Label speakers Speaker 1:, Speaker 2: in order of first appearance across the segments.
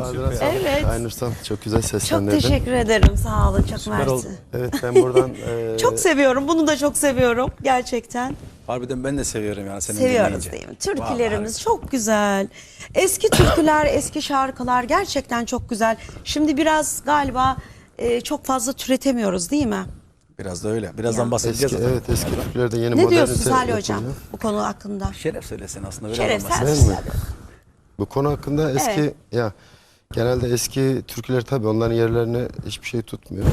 Speaker 1: Ağzına sağlık.
Speaker 2: Evet.
Speaker 1: Aynursan çok güzel
Speaker 2: Çok
Speaker 1: seslendirdin.
Speaker 2: teşekkür ederim. Sağ olun. Çok
Speaker 3: Süper oldu.
Speaker 2: mersi.
Speaker 1: Evet, ben buradan
Speaker 2: Çok seviyorum. Bunu da çok seviyorum. Gerçekten.
Speaker 3: Harbiden ben de seviyorum yani seni
Speaker 2: Seviyoruz
Speaker 3: dinleyince.
Speaker 2: değil mi? Türkülerimiz
Speaker 3: Vallahi.
Speaker 2: çok güzel. Eski türküler, eski şarkılar gerçekten çok güzel. Şimdi biraz galiba çok fazla türetemiyoruz değil mi?
Speaker 3: Biraz da öyle. Birazdan
Speaker 2: Ya.
Speaker 3: bahsedeceğiz
Speaker 1: eski,
Speaker 3: zaten.
Speaker 1: evet, eski türkülerde yeni
Speaker 2: Ne
Speaker 1: modernize
Speaker 2: diyorsunuz Ali
Speaker 1: yapılıyor.
Speaker 2: Hocam bu konu hakkında?
Speaker 3: Şeref söylesin aslında. Biraz
Speaker 2: Şeref
Speaker 3: bahsedelim.
Speaker 2: sen
Speaker 1: Değil mi? Bu konu hakkında eski
Speaker 2: Evet.
Speaker 1: ya genelde eski türküler tabii onların yerlerini hiçbir şey tutmuyor.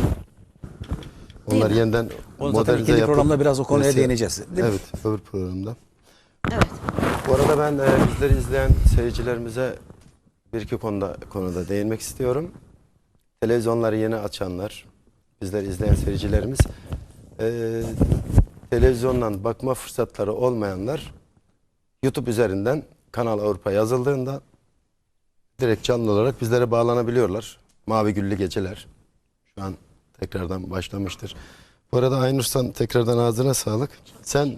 Speaker 1: Onlar
Speaker 2: mi?
Speaker 1: yeniden
Speaker 3: Onu zaten
Speaker 1: modernize
Speaker 3: ikinci
Speaker 1: yapıp
Speaker 3: programda biraz o konuya
Speaker 1: mesela-
Speaker 3: değineceğiz. Değil mi?
Speaker 1: Evet, öbür programda.
Speaker 2: Evet.
Speaker 1: Bu arada ben bizleri izleyen seyircilerimize bir iki konuda değinmek istiyorum. Televizyonları yeni açanlar, bizleri izleyen seyircilerimiz, televizyondan bakma fırsatları olmayanlar YouTube üzerinden Kanal Avrupa yazıldığında direkt canlı olarak bizlere bağlanabiliyorlar. Mavi Güllü Geceler şu an tekrardan başlamıştır. Bu arada Aynursan tekrardan ağzına sağlık. Sen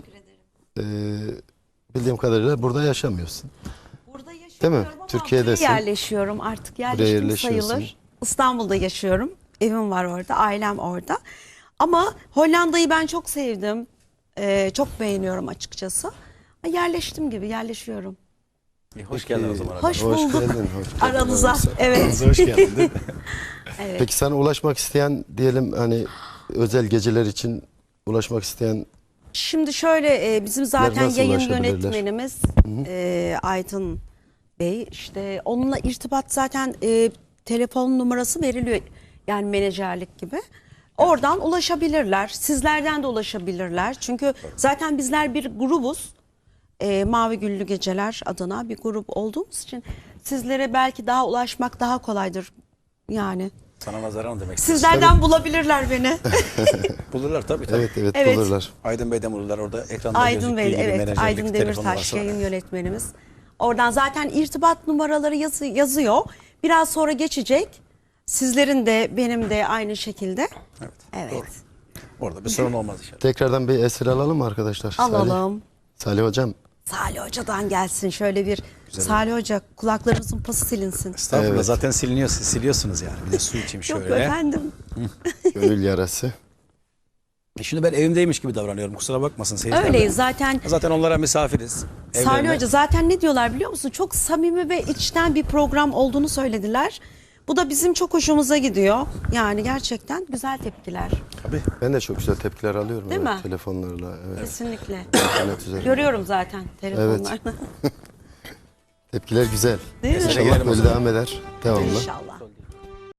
Speaker 1: bildiğim kadarıyla burada yaşamıyorsun.
Speaker 2: Burada yaşamıyorum
Speaker 1: Değil mi?
Speaker 2: ama
Speaker 1: Türkiye'desin.
Speaker 2: buraya yerleşiyorum. Artık
Speaker 1: Buraya
Speaker 2: yerleştim
Speaker 1: yerleşiyorsun.
Speaker 2: sayılır. İstanbul'da yaşıyorum. Evim var orada. Ailem orada. Ama Hollanda'yı ben çok sevdim. Çok beğeniyorum açıkçası. Yerleştim gibi yerleşiyorum.
Speaker 3: Hoş geldin o zaman.
Speaker 2: Hoş
Speaker 1: Hoş
Speaker 2: bulduk.
Speaker 1: geldin, hoş geldin.
Speaker 2: Aranıza. Evet.
Speaker 3: Hoş geldin değil mi?
Speaker 1: Peki sana ulaşmak isteyen diyelim hani özel geceler için ulaşmak isteyen
Speaker 2: Şimdi şöyle bizim zaten
Speaker 1: Nasıl
Speaker 2: yayın
Speaker 1: ulaşabilirler?
Speaker 2: yönetmenimiz Aytın Bey, işte onunla irtibat zaten telefon numarası veriliyor, yani menajerlik gibi. Oradan ulaşabilirler. Sizlerden de ulaşabilirler. Çünkü zaten bizler bir grubuz. Mavi Güllü Geceler adına bir grup olduğumuz için sizlere belki daha ulaşmak daha kolaydır. Yani
Speaker 3: Sana nazaran demek istiyorsun.
Speaker 2: sizlerden bulabilirler beni.
Speaker 3: Bulurlar tabii tabii.
Speaker 1: evet
Speaker 2: Evet.
Speaker 1: bulurlar.
Speaker 3: Aydın Bey'den bulurlar orada ekranda
Speaker 2: Aydın
Speaker 3: gözüktüğü
Speaker 2: Bey,
Speaker 3: gibi
Speaker 2: evet,
Speaker 3: menajerlik
Speaker 2: Aydın
Speaker 3: telefon
Speaker 2: Demirtaş
Speaker 3: numarası var.
Speaker 2: yayın yönetmenimiz. Oradan zaten irtibat numaraları yazıyor. Biraz sonra geçecek. Sizlerin de benim de aynı şekilde.
Speaker 3: Evet.
Speaker 2: Evet.
Speaker 3: Doğru. Orada bir sorun olmaz inşallah.
Speaker 1: Tekrardan bir eser alalım mı arkadaşlar?
Speaker 2: Alalım.
Speaker 1: Salih Hocam.
Speaker 2: Salih Hoca'dan gelsin şöyle bir. Salih Hoca kulaklarınızın pası silinsin.
Speaker 3: Estağfurullah
Speaker 1: Evet.
Speaker 3: zaten siliyorsunuz yani. Bir de su içeyim
Speaker 2: Yok
Speaker 3: şöyle.
Speaker 2: efendim.
Speaker 1: Gönül yarası.
Speaker 3: Şimdi ben evimdeymiş gibi davranıyorum. Kusura bakmasın seyirciler.
Speaker 2: Öyleyiz zaten.
Speaker 3: Zaten onlara misafiriz.
Speaker 2: Salih
Speaker 3: Evlerine.
Speaker 2: Hoca zaten ne diyorlar biliyor musun? Çok samimi ve içten bir program olduğunu söylediler. Bu da bizim çok hoşumuza gidiyor. Yani gerçekten güzel tepkiler.
Speaker 3: Tabii.
Speaker 1: Ben de çok güzel tepkiler alıyorum.
Speaker 2: Değil
Speaker 1: evet,
Speaker 2: mi?
Speaker 1: telefonlarla. Evet.
Speaker 2: Kesinlikle.
Speaker 1: İnternet üzerinden.
Speaker 2: Görüyorum zaten telefonlardan.
Speaker 1: Tepkiler güzel.
Speaker 2: Değil mi?
Speaker 1: İnşallah
Speaker 3: Gelelim o
Speaker 1: böyle
Speaker 3: zaman.
Speaker 1: devam eder. Devamlı.
Speaker 2: İnşallah.